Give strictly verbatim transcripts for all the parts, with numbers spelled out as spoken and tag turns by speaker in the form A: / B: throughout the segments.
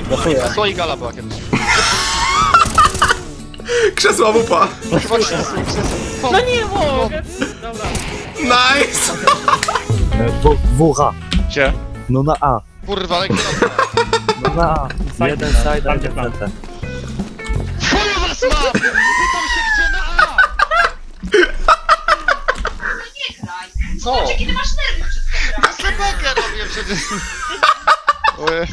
A: Słoik gala była kiedyś.
B: Krzesła wupa!
A: Chyba krzesło, krzesło.
C: No nie mogę! Dobra.
B: Nice!
D: W, WH.
A: Gdzie?
D: No na A.
A: Kurwa, ale kierowca.
D: No na A.
C: Side
D: Jeden
C: plan,
D: side, a
C: tamty
D: jeden
C: plan.
D: C T.
A: Chuju was ma! Pytam się gdzie na A!
E: Nie graj.
A: Co?
E: Zobacz, jakie ty masz nerwy przez to
A: Ja slepokę robię przecież. Ojej.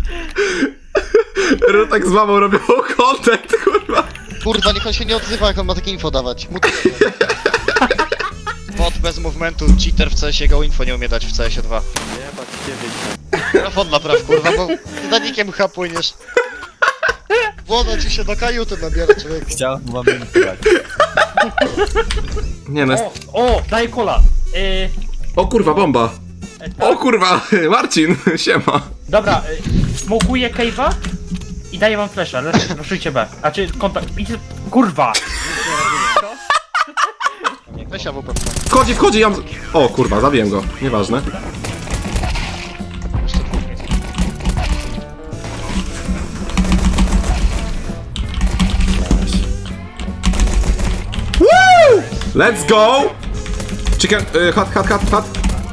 B: Rutek z mamą robią content, kurwa.
A: Kurwa, niech on się nie odzywa, jak on ma takie info dawać. Mu to... Bot bez movementu, cheater w C S go info nie umie dać w C S dwa.
D: Jebać ciebie.
A: Mikrofon napraw, kurwa, bo zdanikiem chyba płyniesz. Woda ci się do kajuty nabiera, człowieku.
D: Chciałem wam grać.
B: Nie no, jest...
C: O, o, daj kola. Yy,
B: O kurwa, bomba!
C: e, tak.
B: O kurwa, Marcin, siema.
C: Dobra, y, smokuję cave'a i daję wam flasha, ruszujcie B. A czy kontakt... idź- Kurwa!
A: Weź A W P.
B: Wchodzi, wchodzi, ja... O kurwa, zabiłem go, nieważne.
A: Jeszcze dwóch miejsc.
B: Woo! Let's go! Chicken, y, hot, hot, hot, hot.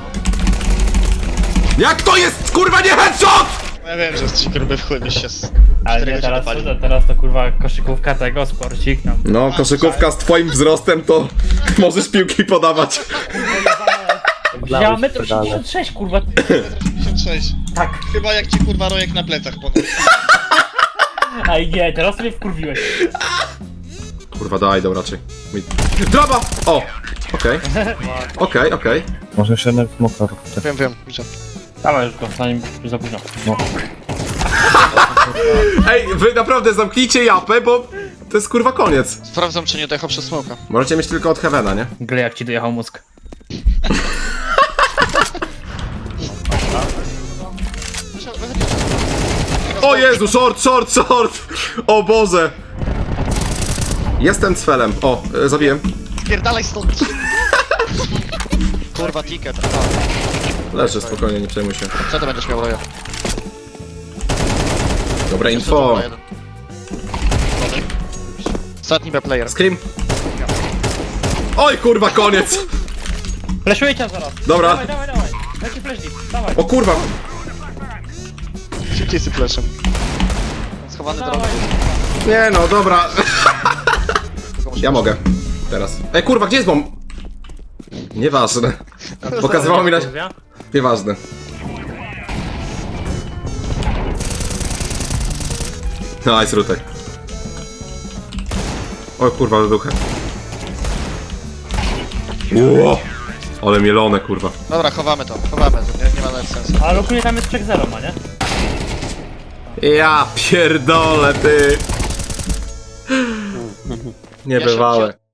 B: Jak to jest, kurwa, nie headshot!
A: Ja wiem, że z trzy gruby w chuj byś się z
C: Ale
A: czterego
C: nie,
A: się
C: teraz,
A: dopalił.
C: to, teraz to kurwa koszykówka tego, sporcik tam.
B: No, koszykówka z twoim wzrostem to możesz piłki podawać.
C: Ja metr osiemdziesiąt sześć kurwa.
A: pięćdziesiąt sześć.
C: Tak.
A: Chyba jak ci kurwa rojek na plecach ponad.
C: Aj nie, teraz mnie wkurwiłeś.
B: Kurwa, daj, dobra, raczej. Mi- Draba! O! Okej. Okej, okej.
D: Może jeszcze jeden smoka.
A: Wiem, wiem, widzę.
C: Dawaj już go, zanim za późno.
D: No.
B: Ej, wy naprawdę zamknijcie japę, bo to jest kurwa koniec.
A: Sprawdzam, czy nie dojechał przez smoka.
B: Możecie mieć tylko od Heavena, nie?
C: Gle jak ci dojechał mózg.
B: O Jezu, short, short, short! O Boże! Jestem cfelem. O, e, zabiłem.
A: Spierdalaj stąd! Kurwa, ticket. Aha.
B: Leży spokojnie, nie przejmuj się.
A: Co to będziesz miał roja?
B: Dobre info.
A: Ostatni B player.
B: Scream. Oj kurwa, koniec!
C: Fleszuję cię zaraz.
B: Dobra.
C: Dawaj, dawaj, dawaj. Leci flash deep, dawaj.
B: O kurwa!
A: Szybciej z flashem. Schowany drogą.
C: Dawaj.
B: Nie no, dobra. Ja mogę. Teraz. Ej kurwa, gdzie jest bomb? Nieważne. Pokazywało mi na... Nieważne. Nice, Rutek. O kurwa, wybuchę. Ło! Ale mielone, kurwa.
A: Dobra, chowamy to, chowamy to, nie, nie ma nawet sensu.
C: Ale ogólnie tam jest check zero ma, nie?
B: Ja pierdolę, ty. Niebywałe.